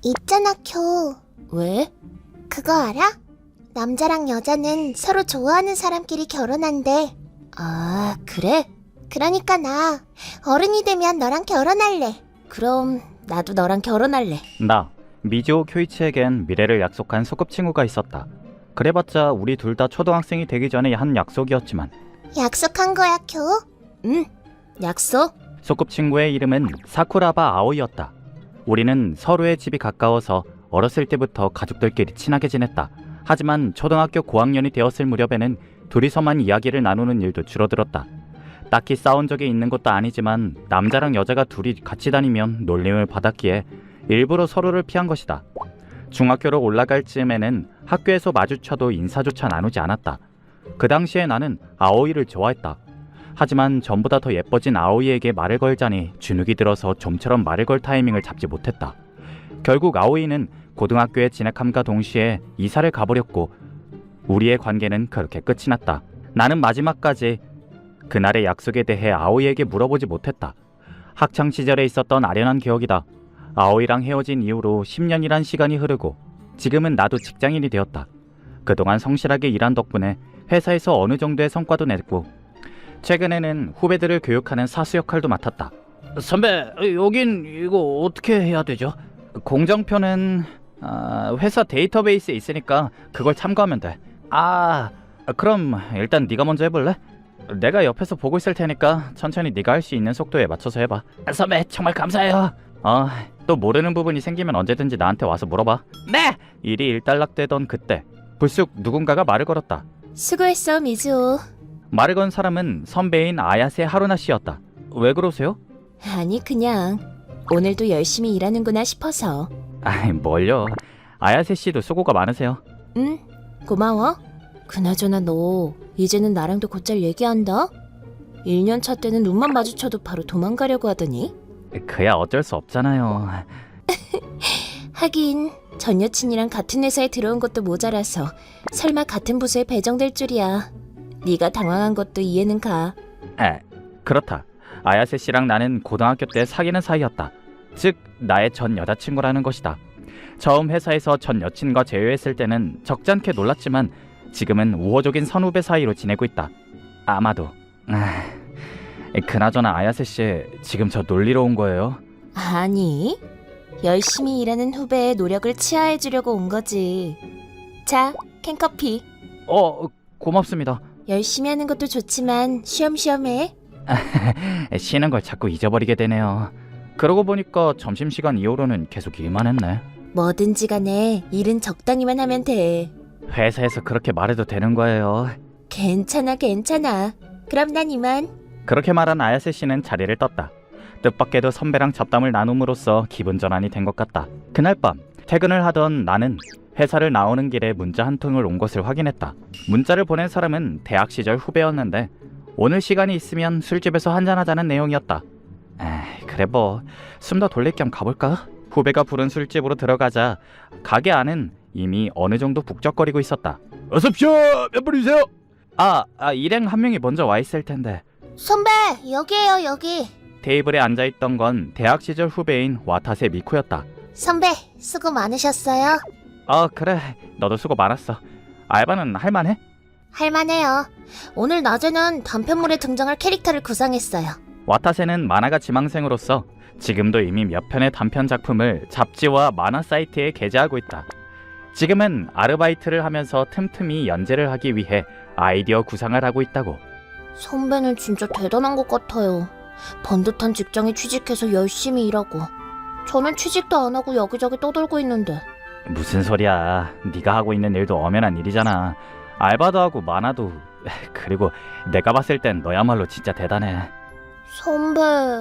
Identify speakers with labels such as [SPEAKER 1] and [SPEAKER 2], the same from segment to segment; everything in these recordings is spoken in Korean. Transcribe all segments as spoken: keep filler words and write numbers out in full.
[SPEAKER 1] 있잖아, 쿄.
[SPEAKER 2] 왜?
[SPEAKER 1] 그거 알아? 남자랑 여자는 서로 좋아하는 사람끼리 결혼한대.
[SPEAKER 2] 아, 그래?
[SPEAKER 1] 그러니까 나 어른이 되면 너랑 결혼할래.
[SPEAKER 2] 그럼 나도 너랑 결혼할래.
[SPEAKER 3] 나, 미즈오 쿄이치에겐 미래를 약속한 소꿉친구가 있었다. 그래봤자 우리 둘 다 초등학생이 되기 전에 한 약속이었지만
[SPEAKER 1] 약속한 거야, 쿄?
[SPEAKER 2] 응, 약속?
[SPEAKER 3] 소꿉친구의 이름은 사쿠라바 아오이였다. 우리는 서로의 집이 가까워서 어렸을 때부터 가족들끼리 친하게 지냈다. 하지만 초등학교 고학년이 되었을 무렵에는 둘이서만 이야기를 나누는 일도 줄어들었다. 딱히 싸운 적이 있는 것도 아니지만 남자랑 여자가 둘이 같이 다니면 놀림을 받았기에 일부러 서로를 피한 것이다. 중학교로 올라갈 즈음에는 학교에서 마주쳐도 인사조차 나누지 않았다. 그 당시에 나는 아오이를 좋아했다. 하지만 전보다 더 예뻐진 아오이에게 말을 걸자니 주눅이 들어서 좀처럼 말을 걸 타이밍을 잡지 못했다. 결국 아오이는 고등학교에 진학함과 동시에 이사를 가버렸고 우리의 관계는 그렇게 끝이 났다. 나는 마지막까지 그날의 약속에 대해 아오이에게 물어보지 못했다. 학창시절에 있었던 아련한 기억이다. 아오이랑 헤어진 이후로 십 년이란 시간이 흐르고 지금은 나도 직장인이 되었다. 그동안 성실하게 일한 덕분에 회사에서 어느 정도의 성과도 냈고 최근에는 후배들을 교육하는 사수 역할도 맡았다. 선배, 여긴 이거 어떻게 해야 되죠? 공정표는 아, 회사 데이터베이스에 있으니까 그걸 참고하면 돼. 아, 그럼 일단 네가 먼저 해볼래? 내가 옆에서 보고 있을 테니까 천천히 네가 할 수 있는 속도에 맞춰서 해봐. 선배, 정말 감사해요. 어, 또 모르는 부분이 생기면 언제든지 나한테 와서 물어봐. 네! 일이 일단락되던 그때 불쑥 누군가가 말을 걸었다.
[SPEAKER 2] 수고했어, 미즈오.
[SPEAKER 3] 말을 건 사람은 선배인 아야세 하루나 씨였다. 왜 그러세요?
[SPEAKER 2] 아니, 그냥 오늘도 열심히 일하는구나 싶어서.
[SPEAKER 3] 아이, 뭘요. 아야세 씨도 수고가 많으세요.
[SPEAKER 2] 응, 고마워. 그나저나 너 이제는 나랑도 곧잘 얘기한다? 일 년 차 때는 눈만 마주쳐도 바로 도망가려고 하더니.
[SPEAKER 3] 그야 어쩔 수 없잖아요.
[SPEAKER 2] 하긴 전 여친이랑 같은 회사에 들어온 것도 모자라서 설마 같은 부서에 배정될 줄이야. 네가 당황한 것도 이해는 가.
[SPEAKER 3] 에, 그렇다. 아야세 씨랑 나는 고등학교 때 사귀는 사이였다. 즉 나의 전 여자친구라는 것이다. 처음 회사에서 전 여친과 제외했을 때는 적잖게 놀랐지만 지금은 우호적인 선후배 사이로 지내고 있다. 아마도. 아, 그나저나 아야세 씨, 지금 저 놀리러 온 거예요?
[SPEAKER 2] 아니, 열심히 일하는 후배의 노력을 치하해주려고 온 거지. 자, 캔커피.
[SPEAKER 3] 어, 고맙습니다.
[SPEAKER 2] 열심히 하는 것도 좋지만 쉬엄쉬엄 해.
[SPEAKER 3] 쉬는 걸 자꾸 잊어버리게 되네요. 그러고 보니까 점심시간 이후로는 계속 일만 했네.
[SPEAKER 2] 뭐든지 간에 일은 적당히만 하면 돼.
[SPEAKER 3] 회사에서 그렇게 말해도 되는 거예요?
[SPEAKER 2] 괜찮아, 괜찮아. 그럼 난 이만.
[SPEAKER 3] 그렇게 말한 아야세 씨는 자리를 떴다. 뜻밖에도 선배랑 잡담을 나눔으로써 기분 전환이 된 것 같다. 그날 밤 퇴근을 하던 나는 회사를 나오는 길에 문자 한 통을 온 것을 확인했다. 문자를 보낸 사람은 대학 시절 후배였는데 오늘 시간이 있으면 술집에서 한잔하자는 내용이었다. 에이, 그래 뭐 숨 더 돌릴 겸 가볼까? 후배가 부른 술집으로 들어가자 가게 안은 이미 어느 정도 북적거리고 있었다. 어서오십시오! 몇 분이세요? 아, 아, 일행 한 명이 먼저 와 있을 텐데.
[SPEAKER 1] 선배, 여기에요, 여기.
[SPEAKER 3] 테이블에 앉아있던 건 대학 시절 후배인 와타세 미쿠였다.
[SPEAKER 1] 선배, 수고 많으셨어요.
[SPEAKER 3] 아, 그래. 너도 수고 많았어. 알바는 할만해?
[SPEAKER 1] 할만해요. 오늘 낮에는 단편물에 등장할 캐릭터를 구상했어요.
[SPEAKER 3] 와타세는 만화가 지망생으로서 지금도 이미 몇 편의 단편 작품을 잡지와 만화 사이트에 게재하고 있다. 지금은 아르바이트를 하면서 틈틈이 연재를 하기 위해 아이디어 구상을 하고 있다고.
[SPEAKER 1] 선배는 진짜 대단한 것 같아요. 번듯한 직장에 취직해서 열심히 일하고 저는 취직도 안 하고 여기저기 떠돌고 있는데.
[SPEAKER 3] 무슨 소리야. 네가 하고 있는 일도 엄연한 일이잖아. 알바도 하고 만화도. 그리고 내가 봤을 땐 너야말로 진짜 대단해.
[SPEAKER 1] 선배...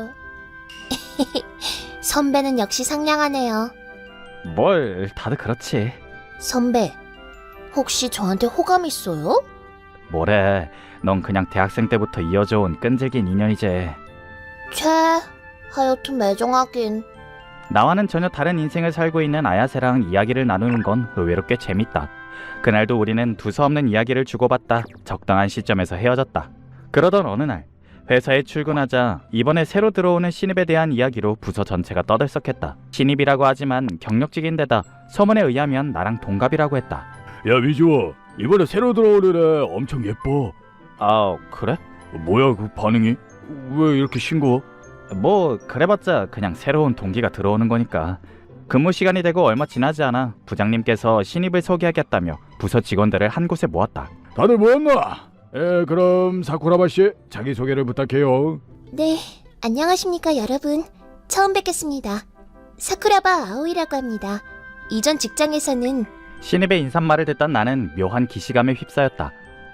[SPEAKER 1] 선배는 역시 상냥하네요.
[SPEAKER 3] 뭘, 다들 그렇지.
[SPEAKER 1] 선배, 혹시 저한테 호감 있어요?
[SPEAKER 3] 뭐래, 넌 그냥 대학생 때부터 이어져 온 끈질긴 인연이지.
[SPEAKER 1] 채, 하여튼 매정하긴.
[SPEAKER 3] 나와는 전혀 다른 인생을 살고 있는 아야세랑 이야기를 나누는 건 의외로 꽤 재밌다. 그날도 우리는 두서없는 이야기를 주고받다 적당한 시점에서 헤어졌다. 그러던 어느 날 회사에 출근하자 이번에 새로 들어오는 신입에 대한 이야기로 부서 전체가 떠들썩했다. 신입이라고 하지만 경력직인데다 소문에 의하면 나랑 동갑이라고 했다.
[SPEAKER 4] 야 미주아, 이번에 새로 들어오는 애 엄청 예뻐.
[SPEAKER 3] 아 그래?
[SPEAKER 4] 뭐야 그 반응이? 왜 이렇게 싱거워?
[SPEAKER 3] 뭐 그래봤자 그냥 새로운 동기가 들어오는 거니까. 근무 시간이 되고 얼마 지나지 않아 부장님께서 신입을 소개하겠다며 부서 직원들을 한 곳에 모았다.
[SPEAKER 4] 다들 모였나? 에 그럼 사쿠라바 씨 자기소개를 부탁해요.
[SPEAKER 1] 네, 안녕하십니까 여러분. 처음 뵙겠습니다. 사쿠라바 아오이라고 합니다. 이전 직장에서는
[SPEAKER 3] 신입의 인사말을 듣던 나는 묘한 기시감에 휩싸였다.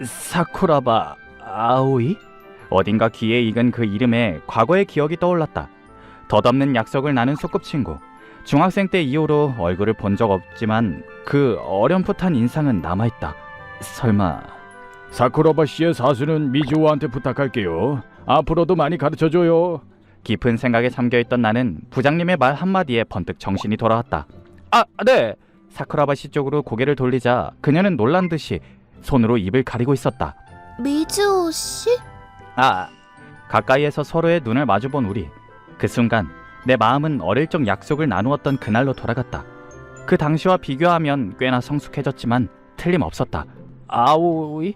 [SPEAKER 3] 사쿠라바 아오이? 어딘가 귀에 익은 그 이름에 과거의 기억이 떠올랐다. 덧없는 약속을 나눈 소꿉친구. 중학생 때 이후로 얼굴을 본 적 없지만 그 어렴풋한 인상은 남아있다. 설마...
[SPEAKER 4] 사쿠라바 씨의 사수는 미주아한테 부탁할게요. 앞으로도 많이 가르쳐줘요.
[SPEAKER 3] 깊은 생각에 잠겨있던 나는 부장님의 말 한마디에 번뜩 정신이 돌아왔다. 아, 네! 사쿠라바 씨 쪽으로 고개를 돌리자 그녀는 놀란 듯이 손으로 입을 가리고 있었다.
[SPEAKER 1] 미즈오 씨?
[SPEAKER 3] 아, 가까이에서 서로의 눈을 마주본 우리. 그 순간 내 마음은 어릴 적 약속을 나누었던 그날로 돌아갔다. 그 당시와 비교하면 꽤나 성숙해졌지만 틀림없었다. 아오이?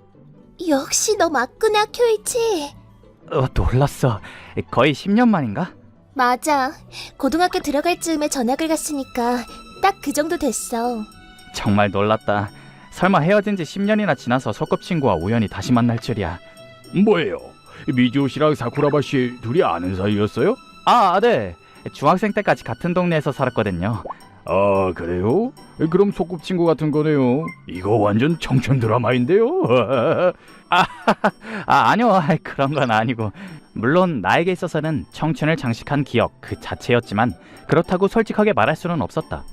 [SPEAKER 1] 역시 너 맞구나, 쿄이치.
[SPEAKER 3] 어, 놀랐어. 거의 십 년 만인가?
[SPEAKER 1] 맞아. 고등학교 들어갈 즈음에 전학을 갔으니까 딱 그 정도 됐어.
[SPEAKER 3] 정말 놀랐다. 설마 헤어진 지 십 년이나 지나서 소꿉친구와 우연히 다시 만날 줄이야.
[SPEAKER 4] 뭐예요? 미주오 씨랑 사쿠라바 씨 둘이 아는 사이였어요?
[SPEAKER 3] 아, 네. 중학생 때까지 같은 동네에서 살았거든요.
[SPEAKER 4] 아 그래요? 그럼 소꿉친구 같은 거네요. 이거 완전 청춘 드라마인데요.
[SPEAKER 3] 아, 아 아니요. 그런 건 아니고. 물론 나에게 있어서는 청춘을 장식한 기억 그 자체였지만 그렇다고 솔직하게 말할 수는 없었다.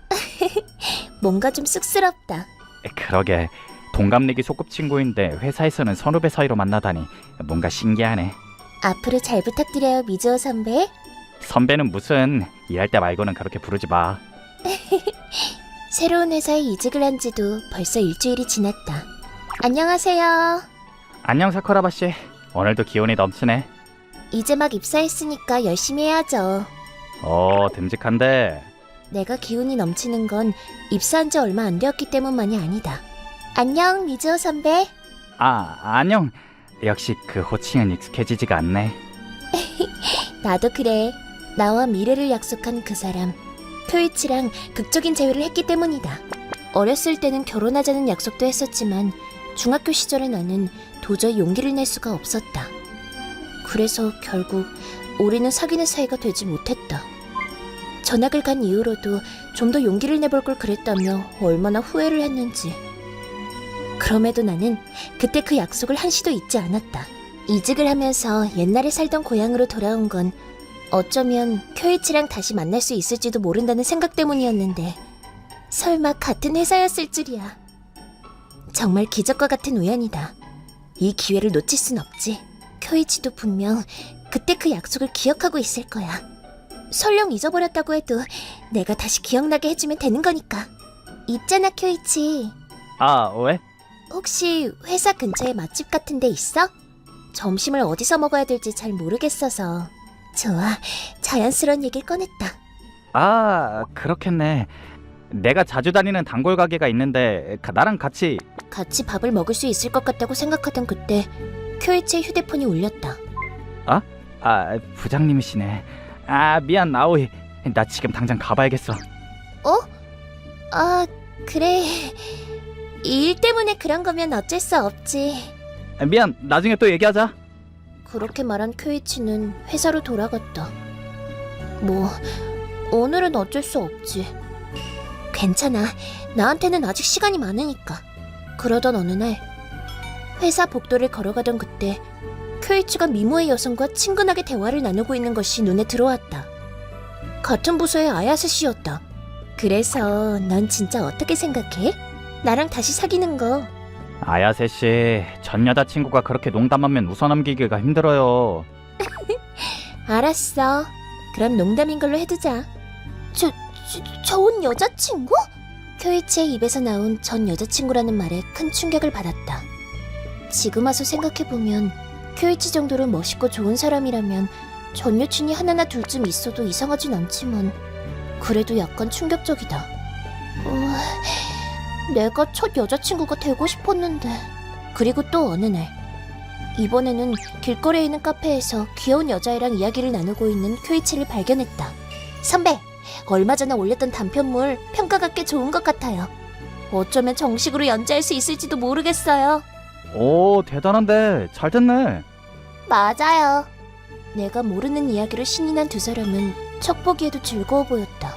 [SPEAKER 1] 뭔가 좀 쑥스럽다.
[SPEAKER 3] 그러게. 동갑내기 소꿉친구인데 회사에서는 선후배 사이로 만나다니 뭔가 신기하네.
[SPEAKER 1] 앞으로 잘 부탁드려요, 미즈오 선배.
[SPEAKER 3] 선배는 무슨. 일할 때 말고는 그렇게 부르지 마.
[SPEAKER 1] 새로운 회사에 이직을 한 지도 벌써 일주일이 지났다. 안녕하세요.
[SPEAKER 3] 안녕 사쿠라바 씨. 오늘도 기운이 넘치네.
[SPEAKER 1] 이제 막 입사했으니까 열심히 해야죠.
[SPEAKER 3] 어, 듬직한데.
[SPEAKER 1] 내가 기운이 넘치는 건 입사한 지 얼마 안 되었기 때문만이 아니다. 안녕, 미즈오 선배.
[SPEAKER 3] 아, 안녕. 역시 그 호칭은 익숙해지지가 않네.
[SPEAKER 1] 나도 그래. 나와 미래를 약속한 그 사람. 쿄이치랑 극적인 재회를 했기 때문이다. 어렸을 때는 결혼하자는 약속도 했었지만 중학교 시절의 나는 도저히 용기를 낼 수가 없었다. 그래서 결국 우리는 사귀는 사이가 되지 못했다. 전학을 간 이후로도 좀 더 용기를 내볼 걸 그랬다며 얼마나 후회를 했는지. 그럼에도 나는 그때 그 약속을 한시도 잊지 않았다. 이직을 하면서 옛날에 살던 고향으로 돌아온 건 어쩌면 쿄이치랑 다시 만날 수 있을지도 모른다는 생각 때문이었는데 설마 같은 회사였을 줄이야. 정말 기적과 같은 우연이다. 이 기회를 놓칠 순 없지. 쿄이치도 분명 그때 그 약속을 기억하고 있을 거야. 설령 잊어버렸다고 해도 내가 다시 기억나게 해주면 되는 거니까. 있잖아, 쿄이치.
[SPEAKER 3] 아, 왜?
[SPEAKER 1] 혹시 회사 근처에 맛집 같은 데 있어? 점심을 어디서 먹어야 될지 잘 모르겠어서. 좋아, 자연스러운 얘기를 꺼냈다.
[SPEAKER 3] 아, 그렇겠네. 내가 자주 다니는 단골 가게가 있는데 가- 나랑 같이.
[SPEAKER 1] 같이 밥을 먹을 수 있을 것 같다고 생각하던 그때 쿄이치의 휴대폰이 울렸다.
[SPEAKER 3] 아, 부장님이시네. 아, 미안 아오이. 나 지금 당장 가봐야겠어.
[SPEAKER 1] 어? 아, 그래. 이 일 때문에 그런 거면 어쩔 수 없지.
[SPEAKER 3] 아, 미안. 나중에 또 얘기하자.
[SPEAKER 1] 그렇게 말한 쿄이치는 회사로 돌아갔다. 뭐, 오늘은 어쩔 수 없지. 괜찮아. 나한테는 아직 시간이 많으니까. 그러던 어느 날, 회사 복도를 걸어가던 그때 쿄이치가 미모의 여성과 친근하게 대화를 나누고 있는 것이 눈에 들어왔다. 같은 부서의 아야세 씨였다. 그래서 넌 진짜 어떻게 생각해? 나랑 다시 사귀는 거.
[SPEAKER 3] 아야세 씨, 전 여자친구가 그렇게 농담하면 웃어넘기기가 힘들어요.
[SPEAKER 1] 알았어. 그럼 농담인 걸로 해두자. 저, 저, 좋은 여자친구? 쿄이치의 입에서 나온 전 여자친구라는 말에 큰 충격을 받았다. 지금 와서 생각해보면 쿄이치 정도로 멋있고 좋은 사람이라면 전 여친이 하나나 둘쯤 있어도 이상하진 않지만 그래도 약간 충격적이다. 어, 내가 첫 여자친구가 되고 싶었는데. 그리고 또 어느 날 이번에는 길거리에 있는 카페에서 귀여운 여자애랑 이야기를 나누고 있는 쿄이치를 발견했다. 선배, 얼마 전에 올렸던 단편물 평가가 꽤 좋은 것 같아요. 어쩌면 정식으로 연재할 수 있을지도 모르겠어요.
[SPEAKER 3] 오, 대단한데 잘 됐네.
[SPEAKER 1] 맞아요. 내가 모르는 이야기로 신이 난 두 사람은 척 보기에도 즐거워 보였다.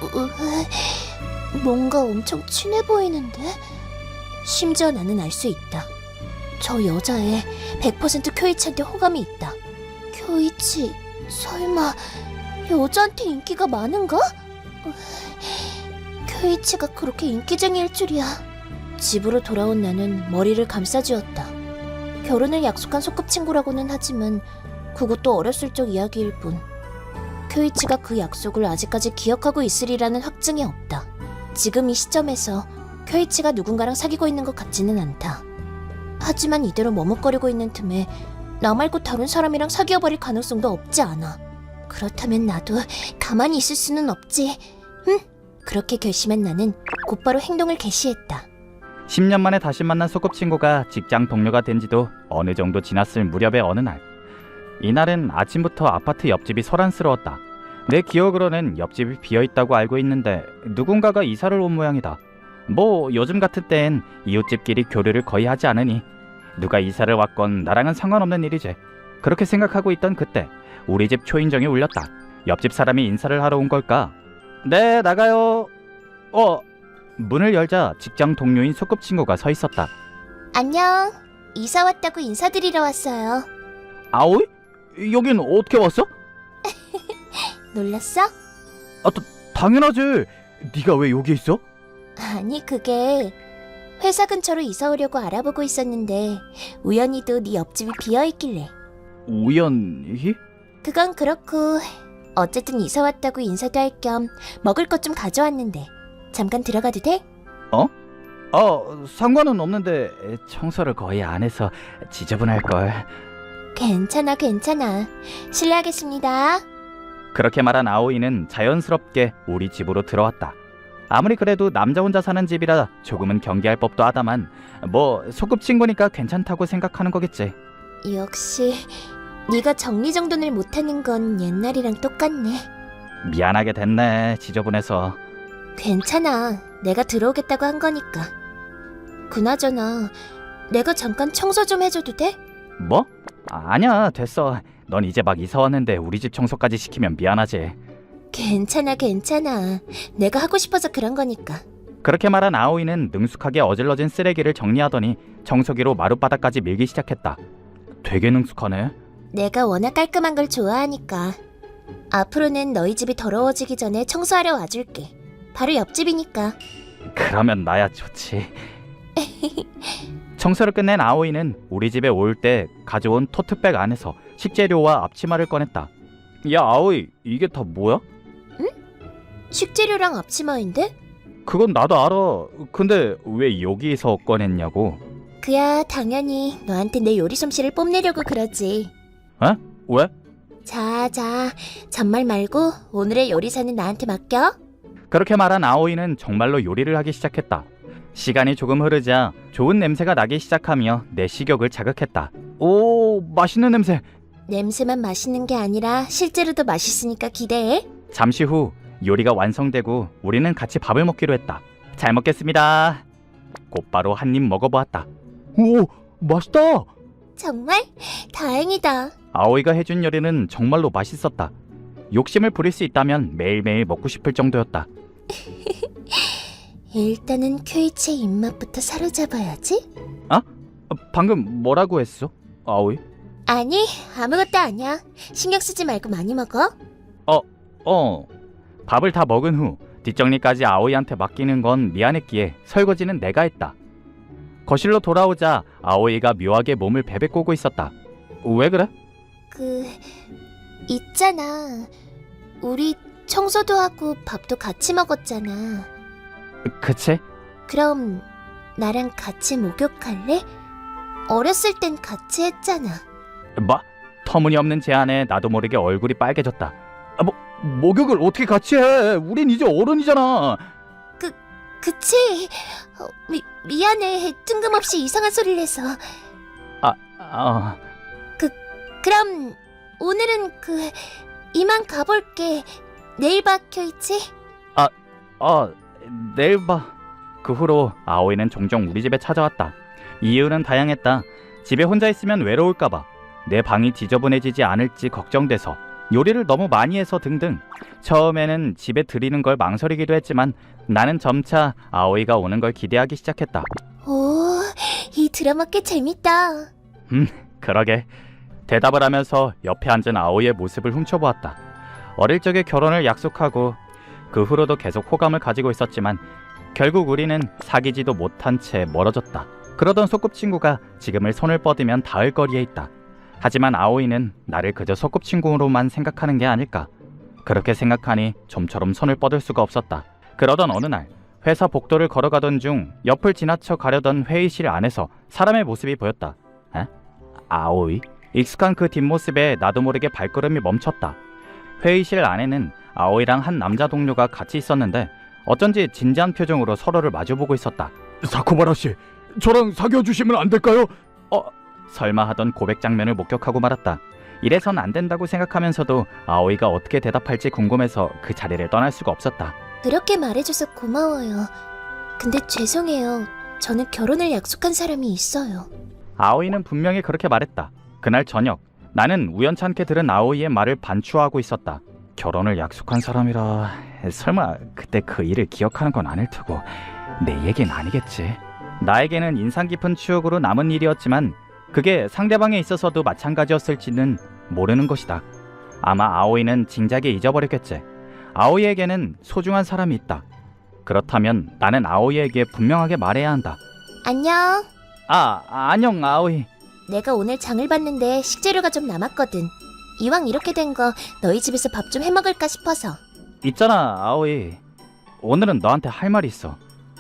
[SPEAKER 1] 으, 뭔가 엄청 친해 보이는데? 심지어 나는 알 수 있다. 저 여자애 백 퍼센트 쿄이치한테 호감이 있다. 쿄이치, 설마 여자한테 인기가 많은가? 으, 쿄이치가 그렇게 인기쟁이일 줄이야. 집으로 돌아온 나는 머리를 감싸쥐었다. 결혼을 약속한 소꿉친구라고는 하지만 그것도 어렸을 적 이야기일 뿐. 쿄이치가 그 약속을 아직까지 기억하고 있으리라는 확증이 없다. 지금 이 시점에서 쿄이치가 누군가랑 사귀고 있는 것 같지는 않다. 하지만 이대로 머뭇거리고 있는 틈에 나 말고 다른 사람이랑 사귀어버릴 가능성도 없지 않아. 그렇다면 나도 가만히 있을 수는 없지. 응? 그렇게 결심한 나는 곧바로 행동을 개시했다.
[SPEAKER 3] 십 년 만에 다시 만난 소꿉친구가 직장 동료가 된 지도 어느 정도 지났을 무렵의 어느 날. 이날은 아침부터 아파트 옆집이 소란스러웠다. 내 기억으로는 옆집이 비어있다고 알고 있는데 누군가가 이사를 온 모양이다. 뭐 요즘 같은 때엔 이웃집끼리 교류를 거의 하지 않으니 누가 이사를 왔건 나랑은 상관없는 일이지. 그렇게 생각하고 있던 그때 우리 집 초인종이 울렸다. 옆집 사람이 인사를 하러 온 걸까? 네, 나가요. 어, 문을 열자 직장 동료인 소꿉친구가 서 있었다.
[SPEAKER 1] 안녕. 이사 왔다고 인사드리러 왔어요.
[SPEAKER 3] 아오이? 여긴 어떻게 왔어?
[SPEAKER 1] 놀랐어?
[SPEAKER 3] 아, 다, 당연하지. 네가 왜 여기 있어?
[SPEAKER 1] 아니, 그게 회사 근처로 이사 오려고 알아보고 있었는데 우연히도 네 옆집이 비어있길래.
[SPEAKER 3] 우연히?
[SPEAKER 1] 그건 그렇고 어쨌든 이사 왔다고 인사도 할 겸 먹을 것 좀 가져왔는데 잠깐 들어가도 돼?
[SPEAKER 3] 어, 상관은 없는데 청소를 거의 안 해서 지저분할걸.
[SPEAKER 1] 괜찮아, 괜찮아. 실례하겠습니다.
[SPEAKER 3] 그렇게 말한 아오이는 자연스럽게 우리 집으로 들어왔다. 아무리 그래도 남자 혼자 사는 집이라 조금은 경계할 법도 하다만 뭐 소꿉친구니까 괜찮다고 생각하는 거겠지.
[SPEAKER 1] 역시 네가 정리정돈을 못하는 건 옛날이랑 똑같네.
[SPEAKER 3] 미안하게 됐네, 지저분해서.
[SPEAKER 1] 괜찮아. 내가 들어오겠다고 한 거니까. 그나저나 내가 잠깐 청소 좀 해줘도 돼?
[SPEAKER 3] 뭐? 아, 아니야, 됐어. 넌 이제 막 이사 왔는데 우리 집 청소까지 시키면 미안하지.
[SPEAKER 1] 괜찮아, 괜찮아. 내가 하고 싶어서 그런 거니까.
[SPEAKER 3] 그렇게 말한 아오이는 능숙하게 어질러진 쓰레기를 정리하더니 청소기로 마룻바닥까지 밀기 시작했다. 되게 능숙하네.
[SPEAKER 1] 내가 워낙 깔끔한 걸 좋아하니까. 앞으로는 너희 집이 더러워지기 전에 청소하러 와줄게. 바로 옆집이니까.
[SPEAKER 3] 그러면 나야 좋지. 청소를 끝낸 아오이는 우리 집에 올 때 가져온 토트백 안에서 식재료와 앞치마를 꺼냈다. 야, 아오이, 이게 다 뭐야?
[SPEAKER 1] 식재료랑 앞치마인데?
[SPEAKER 3] 그건 나도 알아. 근데 왜 여기서 꺼냈냐고.
[SPEAKER 1] 그야 당연히 너한테 내 요리 솜씨를 뽐내려고 그러지.
[SPEAKER 3] 에? 왜?
[SPEAKER 1] 자, 자, 잔말 말고 오늘의 요리사는 나한테 맡겨.
[SPEAKER 3] 그렇게 말한 아오이는 정말로 요리를 하기 시작했다. 시간이 조금 흐르자 좋은 냄새가 나기 시작하며 내 식욕을 자극했다. 오, 맛있는 냄새.
[SPEAKER 1] 냄새만 맛있는 게 아니라 실제로도 맛있으니까 기대해.
[SPEAKER 3] 잠시 후 요리가 완성되고 우리는 같이 밥을 먹기로 했다. 잘 먹겠습니다. 곧바로 한 입 먹어보았다. 오, 맛있다.
[SPEAKER 1] 정말? 다행이다.
[SPEAKER 3] 아오이가 해준 요리는 정말로 맛있었다. 욕심을 부릴 수 있다면 매일매일 먹고 싶을 정도였다.
[SPEAKER 1] 일단은 큐이치의 입맛부터 사로잡아야지.
[SPEAKER 3] 아? 방금 뭐라고 했어? 아오이?
[SPEAKER 1] 아니, 아무것도 아니야. 신경 쓰지 말고 많이 먹어.
[SPEAKER 3] 어. 밥을 다 먹은 후 뒷정리까지 아오이한테 맡기는 건 미안했기에 설거지는 내가 했다. 거실로 돌아오자 아오이가 묘하게 몸을 베베꼬고 있었다. 왜 그래?
[SPEAKER 1] 그... 있잖아. 우리 청소도 하고 밥도 같이 먹었잖아.
[SPEAKER 3] 그치?
[SPEAKER 1] 그럼 나랑 같이 목욕할래? 어렸을 땐 같이 했잖아.
[SPEAKER 3] 뭐? 터무니없는 제안에 나도 모르게 얼굴이 빨개졌다.
[SPEAKER 4] 아, 뭐 목욕을 어떻게 같이 해? 우린 이제 어른이잖아.
[SPEAKER 1] 그치? 어, 미, 미안해. 뜬금없이 이상한 소리를 해서.
[SPEAKER 3] 아, 아,
[SPEAKER 1] 그럼 오늘은 그 이만 가볼게. 내일 봐, 쿄이치.
[SPEAKER 3] 어, 내일 봐. 그 후로 아오이는 종종 우리 집에 찾아왔다. 이유는 다양했다. 집에 혼자 있으면 외로울까봐, 내 방이 지저분해지지 않을지 걱정돼서, 요리를 너무 많이 해서 등등. 처음에는 집에 들이는 걸 망설이기도 했지만 나는 점차 아오이가 오는 걸 기대하기 시작했다.
[SPEAKER 1] 오, 이 드라마 꽤 재밌다.
[SPEAKER 3] 그러게. 대답을 하면서 옆에 앉은 아오이의 모습을 훔쳐보았다. 어릴 적에 결혼을 약속하고 그 후로도 계속 호감을 가지고 있었지만 결국 우리는 사귀지도 못한 채 멀어졌다. 그러던 소꿉친구가 지금을 손을 뻗으면 닿을 거리에 있다. 하지만 아오이는 나를 그저 소꿉친구로만 생각하는 게 아닐까. 그렇게 생각하니 좀처럼 손을 뻗을 수가 없었다. 그러던 어느 날 회사 복도를 걸어가던 중 옆을 지나쳐 가려던 회의실 안에서 사람의 모습이 보였다. 에? 아오이? 익숙한 그 뒷모습에 나도 모르게 발걸음이 멈췄다. 회의실 안에는 아오이랑 한 남자 동료가 같이 있었는데 어쩐지 진지한 표정으로 서로를 마주보고 있었다.
[SPEAKER 4] 사쿠바라 씨, 저랑 사귀어 주시면 안 될까요?
[SPEAKER 3] 어? 설마 하던 고백 장면을 목격하고 말았다. 이래선 안 된다고 생각하면서도 아오이가 어떻게 대답할지 궁금해서 그 자리를 떠날 수가 없었다.
[SPEAKER 1] 그렇게 말해줘서 고마워요. 근데 죄송해요. 저는 결혼을 약속한 사람이 있어요.
[SPEAKER 3] 아오이는 분명히 그렇게 말했다. 그날 저녁 나는 우연찮게 들은 아오이의 말을 반추하고 있었다. 결혼을 약속한 사람이라 설마 그때 그 일을 기억하는 건 아닐 테고 내 얘긴 아니겠지. 나에게는 인상 깊은 추억으로 남은 일이었지만 그게 상대방에 있어서도 마찬가지였을지는 모르는 것이다. 아마 아오이는 진작에 잊어버렸겠지. 아오이에게는 소중한 사람이 있다. 그렇다면 나는 아오이에게 분명하게 말해야 한다.
[SPEAKER 1] 안녕.
[SPEAKER 3] 아, 안녕 아오이.
[SPEAKER 1] 내가 오늘 장을 봤는데 식재료가 좀 남았거든. 이왕 이렇게 된 거 너희 집에서 밥 좀 해먹을까 싶어서.
[SPEAKER 3] 있잖아 아오이, 오늘은 너한테 할 말이 있어.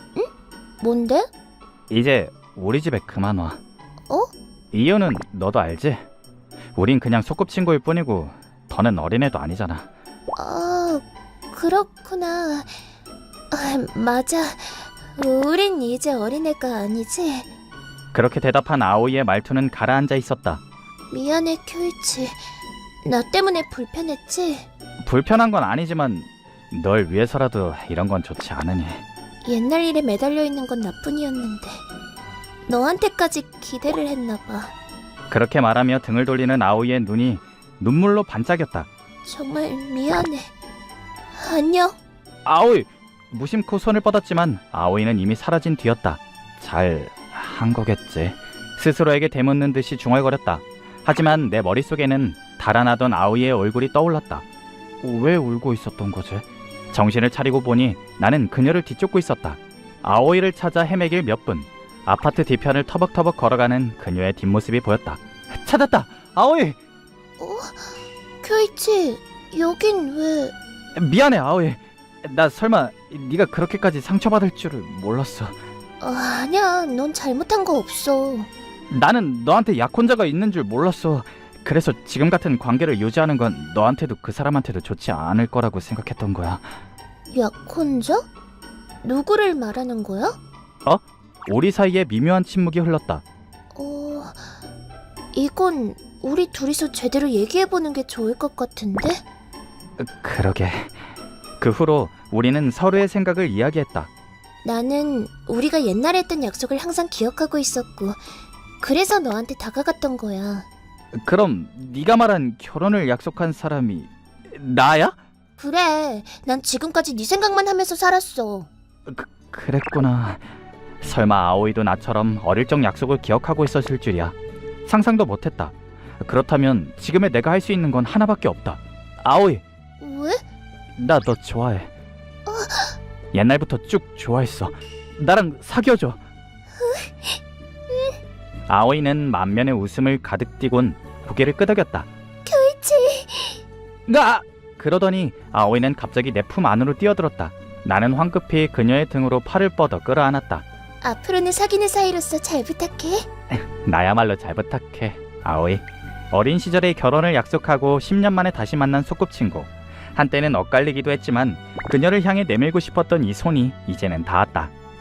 [SPEAKER 1] 뭔데?
[SPEAKER 3] 이제 우리 집에 그만 와.
[SPEAKER 1] 어?
[SPEAKER 3] 이유는 너도 알지? 우린 그냥 소꿉친구일 뿐이고 더는 어린애도 아니잖아.
[SPEAKER 1] 아, 그렇구나. 아, 맞아. 우린 이제 어린애가 아니지.
[SPEAKER 3] 그렇게 대답한 아오이의 말투는 가라앉아 있었다.
[SPEAKER 1] 미안해, 쿄이치. 나 때문에 불편했지?
[SPEAKER 3] 불편한 건 아니지만 널 위해서라도 이런 건 좋지 않으니.
[SPEAKER 1] 옛날 일에 매달려 있는 건 나뿐이었는데 너한테까지 기대를 했나 봐.
[SPEAKER 3] 그렇게 말하며 등을 돌리는 아오이의 눈이 눈물로 반짝였다.
[SPEAKER 1] 정말 미안해. 안녕.
[SPEAKER 3] 아오이! 무심코 손을 뻗었지만 아오이는 이미 사라진 뒤였다. 잘 한 거겠지. 스스로에게 되묻는 듯이 중얼거렸다. 하지만 내 머릿속에는 달아나던 아오이의 얼굴이 떠올랐다. 왜 울고 있었던 거지? 정신을 차리고 보니 나는 그녀를 뒤쫓고 있었다. 아오이를 찾아 헤매길 몇 분. 아파트 뒤편을 터벅터벅 걸어가는 그녀의 뒷모습이 보였다. 찾았다! 아오이!
[SPEAKER 1] 어? 쿄이치, 여긴 왜...
[SPEAKER 3] 미안해 아오이. 나 설마 네가 그렇게까지 상처받을 줄을 몰랐어.
[SPEAKER 1] 어, 아니야, 넌 잘못한 거 없어.
[SPEAKER 3] 나는 너한테 약혼자가 있는 줄 몰랐어. 그래서 지금 같은 관계를 유지하는 건 너한테도 그 사람한테도 좋지 않을 거라고 생각했던 거야.
[SPEAKER 1] 약혼자? 누구를 말하는 거야?
[SPEAKER 3] 우리 사이에 미묘한 침묵이 흘렀다.
[SPEAKER 1] 어... 이건 우리 둘이서 제대로 얘기해보는 게 좋을 것 같은데?
[SPEAKER 3] 그러게. 그 후로 우리는 서로의 생각을 이야기했다.
[SPEAKER 1] 나는 우리가 옛날에 했던 약속을 항상 기억하고 있었고 그래서 너한테 다가갔던 거야.
[SPEAKER 3] 그럼 네가 말한 결혼을 약속한 사람이 나야?
[SPEAKER 1] 그래, 난 지금까지 네 생각만 하면서 살았어.
[SPEAKER 3] 그, 그랬구나. 설마 아오이도 나처럼 어릴 적 약속을 기억하고 있었을 줄이야. 상상도 못했다. 그렇다면 지금의 내가 할 수 있는 건 하나밖에 없다. 아오이,
[SPEAKER 1] 왜?
[SPEAKER 3] 나 너 좋아해. 옛날부터 쭉 좋아했어. 나랑 사귀어줘. 아오이는 만면의 웃음을 가득 띠곤 고개를 끄덕였다.
[SPEAKER 1] 쿄이치.
[SPEAKER 3] 나! 그러더니 아오이는 갑자기 내 품 안으로 뛰어들었다. 나는 황급히 그녀의 등으로 팔을 뻗어 끌어안았다.
[SPEAKER 1] 앞으로는 사귀는 사이로서 잘 부탁해.
[SPEAKER 3] 나야말로 잘 부탁해, 아오이. 어린 시절에 결혼을 약속하고 십 년 만에 다시 만난 소꿉친구. 한때는 엇갈리기도 했지만 그녀를 향해 내밀고 싶었던 이 손이 이제는 닿았다.